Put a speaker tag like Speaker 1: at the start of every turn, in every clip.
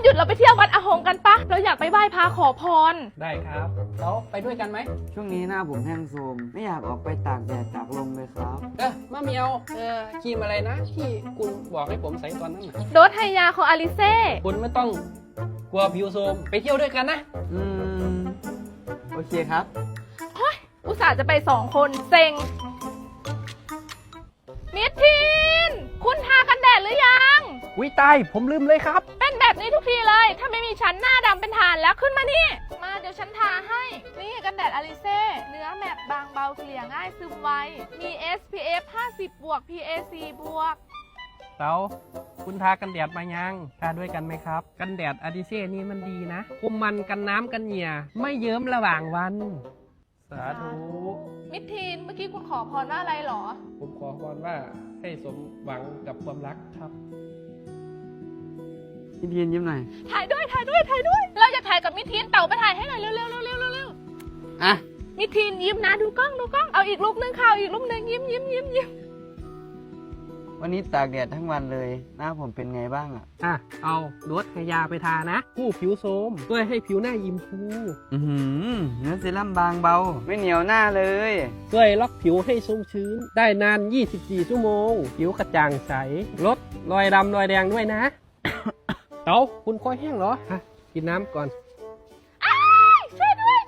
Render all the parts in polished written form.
Speaker 1: หยุดเราไปเที่ยววัดอาหงกันปะเราอยากไปไหว้พระขอพร
Speaker 2: ได้ครับแล้วไปด้วยกันไหม
Speaker 3: ช่วงนี้หน้าผมแห้งโทรมไม่อยากออกไปตากแดดตากลมเลยครับ
Speaker 2: มะเมียวครีมอะไรนะที่คุณบอกให้ผมใส่ตอนนั้นนะ
Speaker 1: โดสไฮยาของอาริเซ่
Speaker 2: คุณไม่ต้องกลัวผิวโทรมไปเที่ยวด้วยกันนะ
Speaker 3: โอเคครับ
Speaker 1: อุตส่าห์จะไป2 คนเซ็งมิทีนคุณทากันแดดหรือยัง
Speaker 2: วิตายผมลืมเลยครับ
Speaker 1: เป็นแบบนี้ทุกทีเลยถ้าไม่มีฉันหน้าดำเป็นฐานแล้วขึ้นมานี่มาเดี๋ยวฉันทาให้นี่กันแดดอาริเซ่เนื้อแมตต์บางเบาเกลี่ยง่ายซึมไวมี SPF 50 บวก PAC บวก
Speaker 2: เต๋าคุณทากันแดดมายังทาด้วยกันไหมครับกันแดดอาริเซ่นี่มันดีนะคุมมันกันน้ำกันเหงื่อไม่เยิ้มระหว่างวันสาธุ
Speaker 1: มิทีนเมื่อกี้คุณขอพรว่าอะไรหรอ
Speaker 2: ผมขอพรว่าให้สมหวังกับความรักครับ
Speaker 3: มิทีนยิ้มหน่อย
Speaker 1: ถ่ายด้วยเราจะถ่ายกับมิทีนเต่าไปถ่ายให้หน่อยเร็ว
Speaker 3: อ่ะ
Speaker 1: มิทีนยิ้มนะดูกล้องเอาอีกรูปนึงค่ะอีกรูปนึงยิ้ม
Speaker 3: วันนี้ตากแดดทั้งวันเลยหน้าผมเป็นไงบ้าง
Speaker 2: เอาโดสไฮยาไปทานะผู้ผิวโทรมช่วยให้ผิวหน้ายิ้มฟู
Speaker 3: เนื้อเซรั่มบางเบาไม่เหนียวหน้าเลย
Speaker 2: ช่วยล็อกผิวให้ชุ่มชื้นได้นาน24 ชั่วโมงผิวกระจ่างใสลดรอยดำรอยแดงด้วยนะ เต๋าคุณคอยแห้งเหรอกินน้ำก่อน
Speaker 1: ช่วยด้วย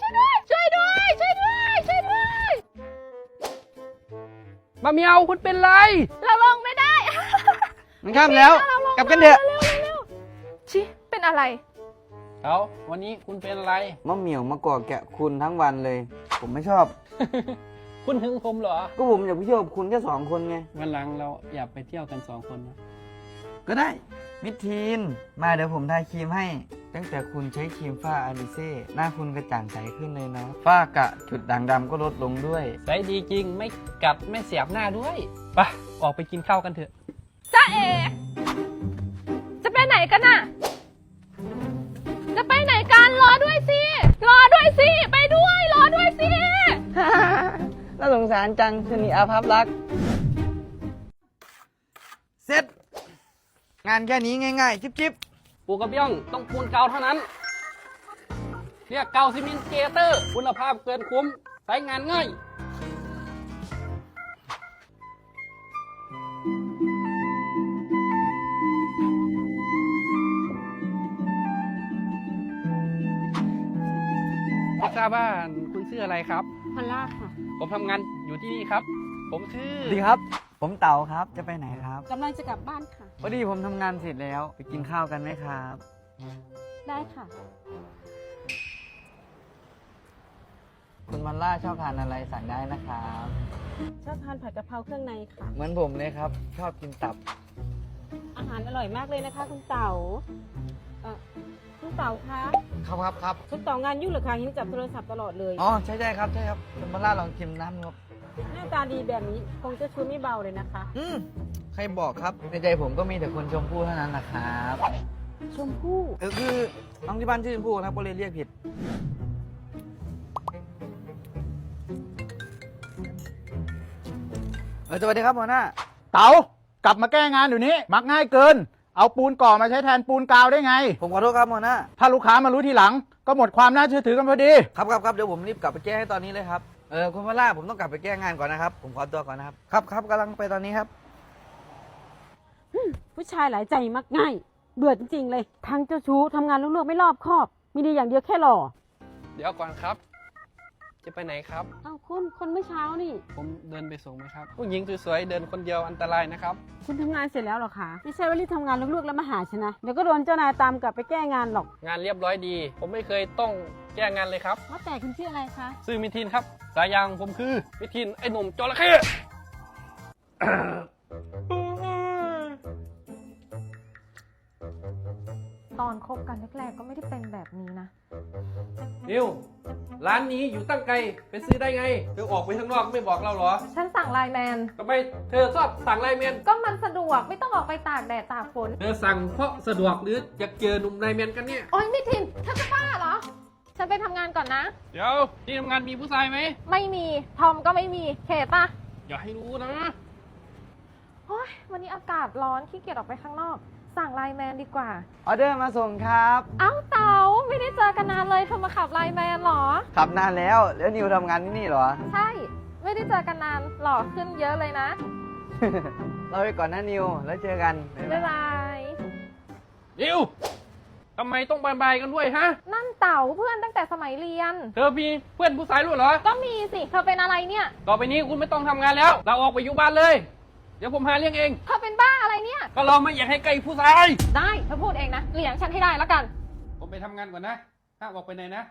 Speaker 2: มาเมียวคุณเป็นไร
Speaker 1: เราลงไม่ได้
Speaker 3: มันข้ามแล้วกลับกันเถอะ
Speaker 1: ชิเป็นอะไร
Speaker 2: เต๋าวันนี้คุณเป็นอะไร
Speaker 3: มะเหมี่ยวมาก่อแกะคุณทั้งวันเลยผมไม่ชอบ
Speaker 2: คุณหึงผมเหรอ
Speaker 3: ก็ผมอยากไปเที่ยวกับคุณแค่2 คนไง
Speaker 2: วันหลังเราอยากไปเที่ยวกัน2 คนนะ
Speaker 3: ก็ได้มิทีนมาเดี๋ยวผมทาครีมให้ตั้งแต่คุณใช้ครีมฝ้าอาริเซ่หน้าคุณกระจ่างใสขึ้นเลยเนาะฝ้ากระจุดด่างดำก็ลดลงด้วย
Speaker 2: ใสดีจริงไม่กัดไม่เสียบหน้าด้วยไปออกไปกินข้าวกันเถอะ
Speaker 1: จ้าเอจะไปไหนกันน่ะจะไปไหนกันรอด้วยสิไปด้วยรอด้วยสิ
Speaker 3: น่าสงสารจังชนีอาภัพรักเสร็จงานแค่นี้ง่ายๆจิ๊บ
Speaker 2: ปูกระเบี้ยงต้องปูนเกาเท่านั้นเรียกเกาซีเมนต์เกเตอร์คุณภาพเกินคุ้มใช้งานง่ายไม่ทราบว่าคุณชื่ออะไรครับ
Speaker 1: พอลล่าค่ะ
Speaker 2: ผมทำงานอยู่ที่นี่ครับผมชื่อ
Speaker 3: ดีครับผมเต๋าครับจะไปไหนครับ
Speaker 1: กำลังจะกลับบ้านค่ะ
Speaker 3: พอดีผมทำงานเสร็จแล้วไปกินข้าวกันไหมครับ
Speaker 1: ได้ค่ะ
Speaker 3: คุณมันล่าชอบทานอะไรสั่งได้นะครับ
Speaker 1: ชอบทานผัดกะเพราเครื่องในค่ะ
Speaker 3: เหมือนผมเลยครับชอบกินตับ
Speaker 1: อาหารอร่อยมากเลยนะคะคุณเต๋าคุณเต๋าคะ
Speaker 3: ครับ
Speaker 1: คุณเต๋างานยุ่งหรือคะเห็นจับโทรศัพท์ตลอดเลย
Speaker 3: อ๋อใช่ครับคุณมันล่าลองชิมน้ำครับ
Speaker 1: หน้าตาดีแบบนี้คงจะช่วยไม่เบาเลยนะคะ
Speaker 3: ใครบอกครับในใจผมก็มีแต่คนชมพู่เท่านั้นนะครับ
Speaker 1: ชมพู่
Speaker 3: คือน้องที่บ้านชื่อชมพู่ครับก็เลยเรียกผิดสวัสดีครับหัวหน้า
Speaker 4: เต๋ากลับมาแก้งานอยู่นี้มักง่ายเกินเอาปูนก่อมาใช้แทนปูนกาวได้ไง
Speaker 3: ผมขอโทษครับหัวหน้า
Speaker 4: ถ้าลูกค้ามารู้ทีหลังก็หมดความน่าเชื่อถือกันพอดี
Speaker 3: ครับเดี๋ยวผมรีบกลับไปแก้ให้ตอนนี้เลยครับคุณพล่าผมต้องกลับไปแก้งานก่อนนะครับผมขอตัวก่อนนะครับครับกำลังไปตอนนี้ครับ
Speaker 1: ผู้ชายหลายใจมักง่ายเบื่อจริงๆเลยทั้งเจ้าชู้ทำงานลุ่งๆไม่รอบคอบมีดีอย่างเดียวแค่หล่อ
Speaker 2: เดี๋ยวก่อนครับจะไปไหนครับ
Speaker 1: คนเมื่อเช้านี่
Speaker 2: ผมเดินไปส่งไหมครับผู้หญิงสวยๆเดินคนเดียวอันตรายนะครับ
Speaker 1: คุณทำงานเสร็จแล้วหรอคะไม่ใช่ว่ารีบทำงานลุ่งๆแล้วมาหาฉันนะเดี๋ยวก็โดนเจ้านายตามกลับไปแก้งานหรอก
Speaker 2: งานเรียบร้อยดีผมไม่เคยต้องแก้งานเลยครับ
Speaker 1: ว่าแต่คุณชื่ออะไรคะ
Speaker 2: ชื่อมิทินครับสายยางผมคือมิทินไอ้หนุ่มจระเข้
Speaker 1: ตอนคบกันแรกๆก็ไม่ได้เป็นแบบนี้นะ
Speaker 2: นิวร้านนี้อยู่ตั้งไกลไปซื้อได้ไงเธอออกไปข้างนอกไม่บอกเราเหรอ
Speaker 1: ฉันสั่งไลน์แมน
Speaker 2: ทำไมเธอชอบสั่งไลน์แมน
Speaker 1: ก็มันสะดวกไม่ต้องออกไปตากแดดตากฝน
Speaker 2: เธอสั่งเพราะสะดวกหรืออยากเจอหนุ่มไลน์แมนกันเนี่ย
Speaker 1: โอ๊ยมิทินเธอจะบ้าเหรอฉันไปทำงานก่อนนะ
Speaker 2: เดี๋ยวที่ทำงานมีผู้ชายไหม
Speaker 1: ไม่มีทอมก็ไม่มีเขตปะ
Speaker 2: อย่าให้รู้นะ
Speaker 1: โอ๊ยวันนี้อากาศร้อนขี้เกียจออกไปข้างนอกสั่งไลน์แมนดีกว่า
Speaker 3: ออเดอร์มาส่งครับ
Speaker 1: เอ้าเต๋าไม่ได้เจอกันนานเลยเธอมาขับไลน์แมนเหรอ
Speaker 3: ขับนานแล้วนิวทำงานที่นี่เหรอ
Speaker 1: ใช่ ไม่ได้เจอกันนานหล่อขึ้นเยอะเลยนะ
Speaker 3: เราไปก่อนนะนิว แล้วเจอกัน
Speaker 1: บ๊ายบาย
Speaker 2: นิวทำไมต้องบายกันด้วยฮะ
Speaker 1: นั่นเต๋าเพื่อนตั้งแต่สมัยเรียน
Speaker 2: เธอมีเพื่อนผู้ชายรู้เหรอ
Speaker 1: ก็มีสิ เธอเป็นอะไรเนี่ย
Speaker 2: ต่อไปนี้คุณไม่ต้องทำงานแล้ว เราออกไปอยู่บ้านเลย เดี๋ยวผมหาเลี้ยงเอง
Speaker 1: เธอเป็นบ้าอะไรเนี่ย
Speaker 2: ก็เราไม่อยากให้ใกล้ผู้ชาย
Speaker 1: ได้เธอพูดเองนะเลี้ยงฉันให้ได้แล้วกัน
Speaker 2: ผมไปทำงานก่อนนะห้ามออกไปไหนนะ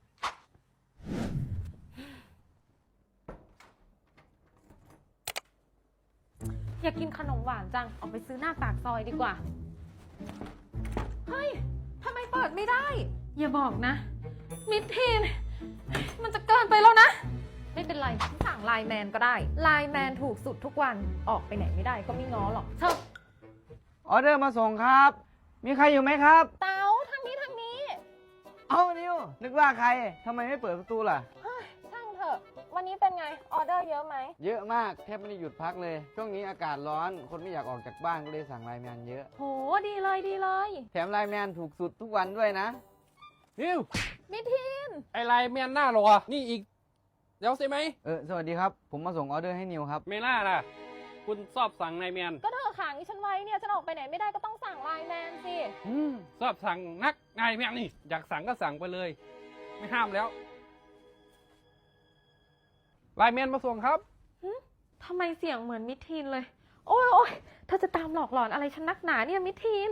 Speaker 1: อยากกินขนมหวานจัง ออกไปซื้อหน้าปากซอยดีกว่า เฮ้ย ทำไมเปิดไม่ได้ อย่าบอกนะ มิดทีน มันจะเกินไปแล้วนะ ไม่เป็นไรฉันสั่งไลน์แมนก็ได้ ไลน์แมนถูกสุดทุกวัน ออกไปไหนไม่ได้ก็ไม่ง้อหรอกเธอ
Speaker 3: ออเดอร์มาส่งครับ มีใครอยู่ไหมครับ
Speaker 1: เต๋าทางนี้ทางนี้
Speaker 3: เอานิว นึกว่าใครทำไมไม่เปิดประตูล่ะ
Speaker 1: เฮ้ย ช่างเถอะ วันนี้เป็นไง ออเดอร์เยอะไหม
Speaker 3: เยอะมาก แทบไม่ได้หยุดพักเลย ช่วงนี้อากาศร้อน คนไม่อยากออกจากบ้านก็เลยสั่งไลน์แมนเยอะ
Speaker 1: โห ดีเลยดีเลย
Speaker 3: แถมไลน์แมนถูกสุดทุกวันด้วยนะ
Speaker 2: นิว
Speaker 1: มิดทีน
Speaker 2: ไอไลน์แมนหน้ารอนี่อีกเดี๋ยวใช่ไหม
Speaker 3: สวัสดีครับ ผมมาส่งออเดอร์ให้นิวครับ
Speaker 2: ไม่น่าล่ะ คุณชอบสั่งไลน์แมน
Speaker 1: ก็เธอขังฉันไว้เนี่ย ฉันออกไปไหนไม่ได้ก็ต้องสั่งไลน์แมนสิ
Speaker 2: ชอบสั่งนักไลน์แมนนี่ อยากสั่งก็สั่งไปเลย ไม่ห้ามแล้ว ไลน์แมนมาส่งครับ
Speaker 1: ทำไมเสียงเหมือนมิดทีนเลย โอ้ยโอ้ยเธอจะตามหลอกหลอนอะไรฉันนักหนาเนี่ยมิดทีน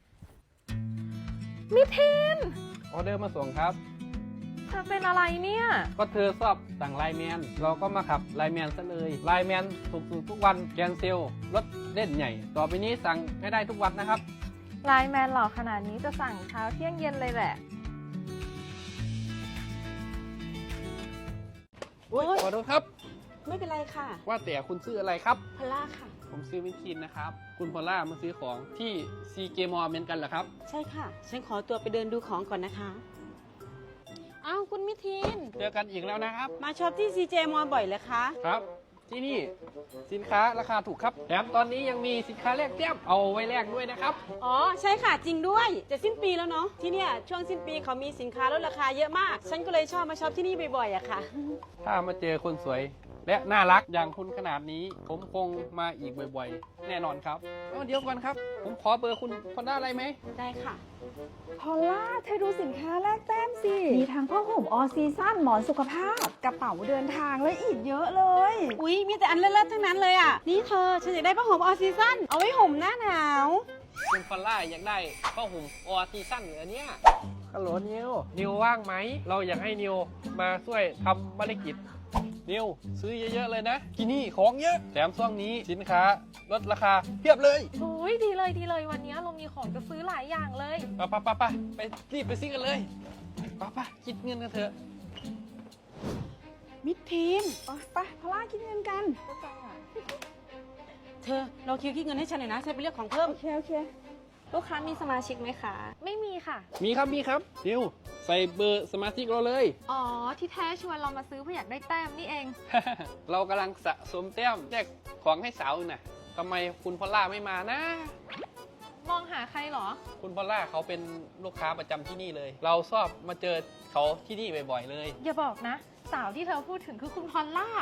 Speaker 1: มิดทีน
Speaker 2: ออเดอร์มาส่งครับ
Speaker 1: เธอเป็นอะไรเนี่ย
Speaker 2: ก็เธอชอบสั่งไลน์แมน เราก็มาขับไลน์แมนซะเลย ไลน์แมนถูกสุดทุกวันแกนเซลรถเล่นใหญ่ ต่อไปนี้สั่งให้ได้ทุกวันนะครับ
Speaker 1: ไลน์แมนหลอกขนาดนี้จะสั่งเช้าเที่ยงเย็นเลยแหละ
Speaker 2: ขอโทษครับ
Speaker 5: ไม่เป็นไรค่ะ
Speaker 2: ว่าแต่คุณซื้ออะไรครับ
Speaker 5: พอลล่าค่ะ
Speaker 2: ผมซื้อวินทีนนะครับ คุณพอลล่ามาซื้อของที่ซีเกมอลเหมือนกันเหรอครับ
Speaker 5: ใช่ค่ะ ฉันขอตัวไปเดินดูของก่อนนะคะ อ้าว คุณมิทีน
Speaker 2: เจอกันอีกแล้วนะครับ
Speaker 5: มาช็อปที่ CJ มอลบ่อยเลยคะ
Speaker 2: ครับ ที่นี่สินค้าราคาถูกครับ แถมตอนนี้ยังมีสินค้าแลกแต้มเอาไว้แลกด้วยนะครับ
Speaker 5: อ๋อ ใช่ค่ะ จริงด้วย จะสิ้นปีแล้วเนาะ ที่เนี่ยช่วงสิ้นปีเขามีสินค้าลดราคาเยอะมาก ฉันก็เลยชอบมาช็อปที่นี่บ่อยๆอะค่ะ
Speaker 2: ถ้ามาเจอคนสวยและน่ารักอย่างคุณขนาดนี้ ผมคงมาอีกบ่อยๆ แน่นอนครับเดี๋ยวก่อนครับ ผมขอเบอร์คุณคนได้อะไรไหม
Speaker 5: ได้ค่ะ
Speaker 6: พอลล่าเธอดูสินค้าแลกแต้มสิ มีทั้งผ้าห่มออซีซั่นหมอนสุขภาพ กระเป๋าเดินทางและอีกเยอะเลย
Speaker 5: อุ๊ย มีแต่อันเลิศๆทั้งนั้นเลยอะนี่เธอ ฉันอยากได้ผ้าห่มออซีซั่นเอาไว้ห่มหน้าหนาว
Speaker 2: คุณพอลล่าอยากได้ผ้าห่มออซีซั่นเหลือเนี่ยฮัลโหลนิวว่างไหม เราอยากให้นิวมาช่วยทำภารกิจ นิวซื้อเยอะๆเลยนะ ที่นี่ของเยอะ แถมช่วงนี้สินค้าลดราคาเพียบเลย
Speaker 1: โอ้ยดีเลยดีเลยวันนี้เรามีของจะซื้อหลายอย่างเลย
Speaker 2: ไปรีบไปซื้อกันเลยไปคิดเงินกันเถอะ
Speaker 5: มิทีน
Speaker 6: ไปพอลล่าคิดเงินกัน
Speaker 5: เธอ เราคิดเงินให้ฉันหน่อยนะ ฉันไปเลือกของเพิ่ม
Speaker 6: โอเค
Speaker 7: ลูกค้ามีสมาชิกไหมคะ
Speaker 1: ไม่มีค่ะ
Speaker 2: มีครับนิวใส่เบอร์สมาชิกเราเลย
Speaker 1: อ๋อ ที่แท้ชวนเรามาซื้อเพื่ออยากได้แต้มนี่เอง
Speaker 2: เรากำลังสะสมแต้มแจกของให้สาวน่ะทำไมคุณพอลล่าไม่มานะ
Speaker 1: มองหาใครเหรอ
Speaker 2: คุณพอลล่าเขาเป็นลูกค้าประจำที่นี่เลย เราชอบมาเจอเขาที่นี่บ่อยๆเลย
Speaker 1: อย่าบอกนะ สาวที่เธอพูดถึงคือคุณพอลล่า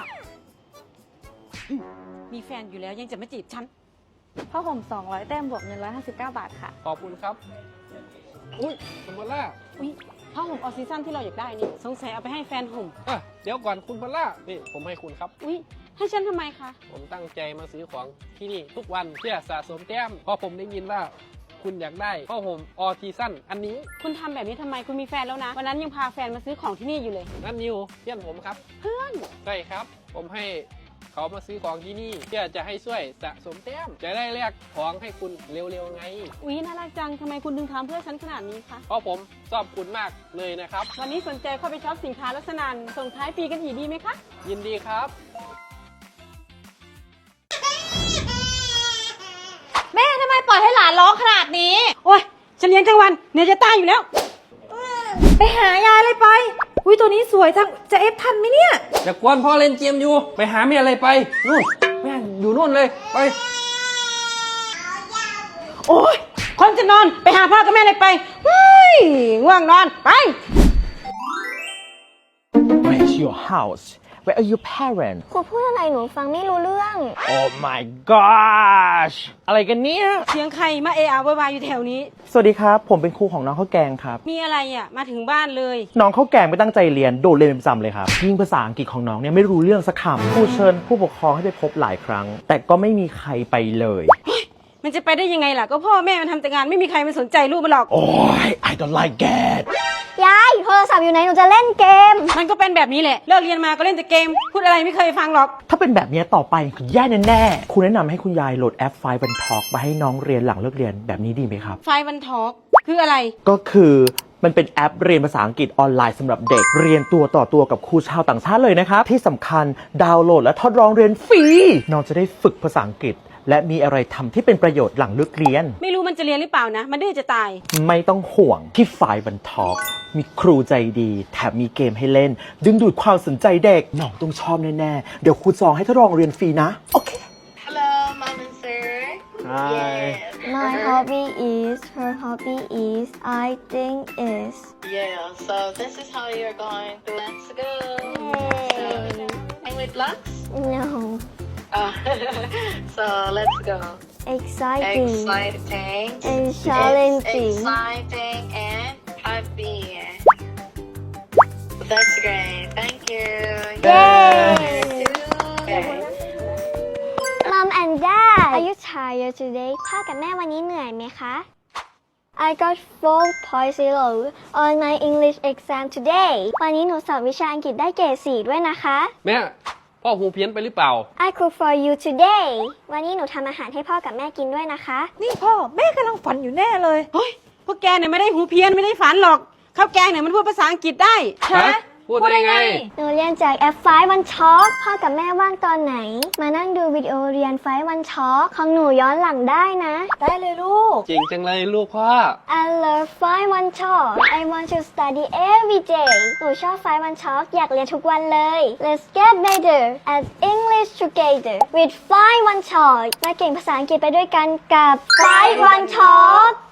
Speaker 5: มีแฟนอยู่แล้วยังจะมาจีบฉัน
Speaker 7: ผ้าห่ม 200 แต้มบวกเงิน 159 บาทค่ะ
Speaker 2: ขอบคุณครับอุ้ยคุณพอลล่า
Speaker 5: อุ๊ยผ้าห่มออซีซั่นที่เราอยากได้นี่สงสัยเอาไปให้แฟนห่ม
Speaker 2: เดี๋ยวก่อนคุณพอลล่านี่ผมให้คุณครับ
Speaker 5: อุ๊ย ให้ฉันทำไมคะ
Speaker 2: ผมตั้งใจมาซื้อของที่นี่ทุกวันเพื่อสะสมแต้มเพราะผมได้ยินว่าคุณอยากได้ผ้าห่มออทีสั้นอันนี้
Speaker 5: คุณทำแบบนี้ทำไมคุณมีแฟนแล้วนะ วันนั้นยังพาแฟนมาซื้อของที่นี่อยู่เลย
Speaker 2: นั่นนิวเพื่อนผมครับ เพื่อนใช่ครับ ผมให้เขามาซื้อของที่นี่เพื่อจะให้ช่วยสะสมแต้มจะได้แลกของให้คุณเร็วๆไง
Speaker 5: อุ๊ย น่ารักจังทำไมคุณถึงทำเพื่อฉันขนาดนี้คะ
Speaker 2: เพราะผมชอบคุณมากเลยนะครับ
Speaker 5: วันนี้สนใจเข้าไปช็อปสินค้าลักษณะส่งท้ายปีกันอีกดีไหมคะ
Speaker 2: ยินดีครับ
Speaker 7: แม่ทำไมปล่อยให้หลานร้องขนาดนี้
Speaker 5: โอ๊ย ฉันเลี้ยงทั้งวันเหนื่อยจะตายอยู่แล้ว
Speaker 7: ไปหายายเลยไป อุ้ยตัวนี้สวยจัง จะเอฟทันไหมเนี่ย
Speaker 2: อย่ากวนพ่อเล่นเกมอยู่ ไปหาเมียอะไรไปนู่นแม่อยู่นู่นเลยไป
Speaker 5: โอ๊ย คคนจะนอนไปหาพ่อกับแม่เลยไปเฮ้ยง่วงนอนไป
Speaker 8: Where's your house? Where are your parents?
Speaker 9: ครูพูดอะไรหนูฟังไม่รู้เรื่อง
Speaker 8: Oh my gosh อะไรกันเนี่ย
Speaker 5: เสียงใครมาเอะอะโวยวายอยู่แถวนี้
Speaker 8: สวัสดีครับ ผมเป็นครูของน้องข้าวแกงครับ
Speaker 5: มีอะไรอ่ะมาถึงบ้านเลย
Speaker 8: น้องข้าวแกงไม่ตั้งใจเรียนโดดเรียนเป็นประจำเลยครับยิ่งภาษาอังกฤษของน้องเนี่ยไม่รู้เรื่องสักคำครูเชิญผู้ปกครองให้ไปพบหลายครั้ง แต่ก็ไม่มีใครไปเลย
Speaker 5: มันจะไปได้ยังไงล่ะก็พ่อแม่มันทำแต่งานไม่มีใครมันสนใจลูกมันหรอก
Speaker 8: โอ้ย I don't like that
Speaker 9: ยายโทรศัพท์อยู่ไหนหนูจะเล่นเกม
Speaker 5: มันก็เป็นแบบนี้แหละเลิกเรียนมาก็เล่นแต่เกม พูดอะไรไม่เคยฟังหรอก
Speaker 8: ถ้าเป็นแบบนี้ต่อไปคุณแย่แน่ๆคุณแนะนำให้คุณยายโหลดแอปไฟบันทอกมาให้น้องเรียนหลังเลิกเรียนแบบนี้ดีไหมครับ
Speaker 5: ไฟวันทอล์กคืออะไร
Speaker 8: ก็คือมันเป็นแอปเรียนภาษาอังกฤษออนไลน์สำหรับเด็กเรียนตัวต่อตัวกับครูชาวต่างชาติเลยนะครับที่สำคัญดาวน์โหลดและทดลองเรียนฟรีน้องจะได้ฝึกภาษาอังกฤษและมีอะไรทำที่เป็นประโยชน์หลังเลิกเรียน
Speaker 5: ไม่รู้มันจะเรียนหรือเปล่านะ มันดื้อจะตาย
Speaker 8: ไม่ต้องห่วงที่ไฟล์บันทอกมีครูใจดีแถมมีเกมให้เล่น ดึงดูดความสนใจเด็กน้องต้องชอบแน่ๆเดี๋ยวครูจองให้ทดลองเรียนฟรีนะโอเค
Speaker 10: Hello, Mom and Sir.
Speaker 8: Hi.
Speaker 9: My hobby is her hobby is I think is
Speaker 10: Yeah, so this is how you're going to. Let's go.
Speaker 9: Yay.
Speaker 10: And with blocks?
Speaker 9: no
Speaker 10: Oh. So let's go.
Speaker 9: exciting
Speaker 10: Exciting.
Speaker 9: and challenging
Speaker 10: Exciting and happy. That's great. Thank you.
Speaker 9: Yay.
Speaker 10: Okay.
Speaker 9: Mom and Dad are you tired today พ่อกับแม่วันนี้เหนื่อยไหมคะ I got 4.0 on my English exam today วันนี้หนูสอบวิชาอังกฤษได้เกรด 4 ด้วยนะคะ
Speaker 2: แม่พ่อหูเพี้ยนไปหรือเปล่า
Speaker 9: I cook for you today วันนี้หนูทำอาหารให้พ่อกับแม่กินด้วยนะคะ
Speaker 7: นี่พ่อแม่กำลังฝันอยู่แน่เลย
Speaker 5: เฮ้ย พวกแกเนี่ยไม่ได้หูเพี้ยนไม่ได้ฝันหรอก ข้าวแกงเนี่ยมันพูดภาษาอังกฤษได้
Speaker 2: ฮะ พูดได้ไง
Speaker 9: หนูเรียนจากแอปไฟวันช็อคพ่อกับแม่ว่างตอนไหน มานั่งดูวิดีโอเรียนไฟวันช็อคของหนูย้อนหลังได้นะ
Speaker 7: ได้เลยลูก
Speaker 2: เก่งจังเลยลูกพ่อ
Speaker 9: I love ไฟวันช็อค I want to study every day หนูชอบไฟวันช็อคอยากเรียนทุกวันเลย Let's get better at English together with ไฟวันช็อคมาเก่งภาษาอังกฤษไปด้วยกันกับไฟวันช็อค